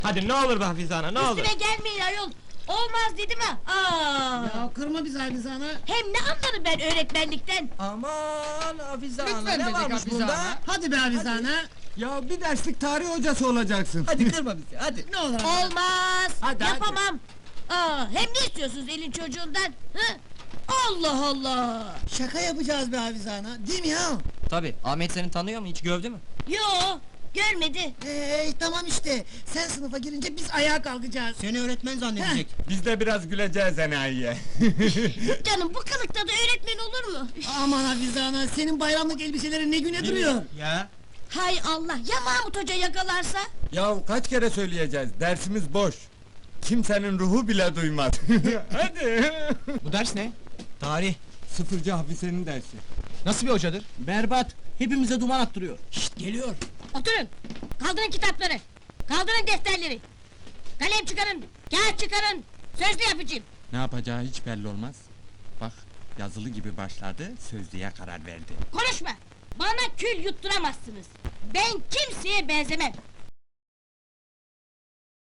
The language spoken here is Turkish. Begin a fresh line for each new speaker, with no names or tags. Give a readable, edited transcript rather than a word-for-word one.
Hadi ne olur be Hafize ana, ne olur.
Üstüme gelmeyin ayol! Olmaz dedim ha! Aa!
Ya kırma bizi Hafize ana.
Hem ne anlarım ben öğretmenlikten?
Aman Hafize ana,
Lütfen
ne
dedik
varmış
Hafize
bunda?
ana.
Hadi be Hafize ana.
Ya bir derslik tarih hocası olacaksın.
Hadi kırma bizi, hadi.
Ne olur Hafize.
Olmaz!
Hadi,
Yapamam! Aa, hem ne istiyorsunuz elin çocuğundan? Hı? Allah Allah!
Şaka yapacağız be Hafize ana. Değil mi ya?
Tabii, Ahmet seni tanıyor mu, hiç gördü mü?
Yo, görmedi.
Tamam işte. Sen sınıfa girince biz ayağa kalkacağız.
Seni öğretmen zannedecek.
Biz de biraz güleceğiz enayiye.
Canım bu kılıkta da öğretmen olur mu?
Aman Hafize ana, senin bayramlık elbiselerin ne güne duruyor?
Ya?
Hay Allah, ya Mahmut Hoca yakalarsa?
Ya kaç kere söyleyeceğiz, dersimiz boş. Kimsenin ruhu bile duymaz. Hadi.
Bu ders ne? Tarih.
Sıfırcı Hafize'nin dersi.
Nasıl bir hocadır? Berbat. Hepimize duman attırıyor. Şşt, geliyor.
Oturun! Kaldırın kitapları! Kaldırın defterleri! Kalem çıkarın! Kağıt çıkarın! Sözlü yapacağım!
Ne yapacağı hiç belli olmaz. Bak, yazılı gibi başladı, sözlüğe karar verdi.
Konuşma! Bana kül yutturamazsınız! Ben kimseye benzemem!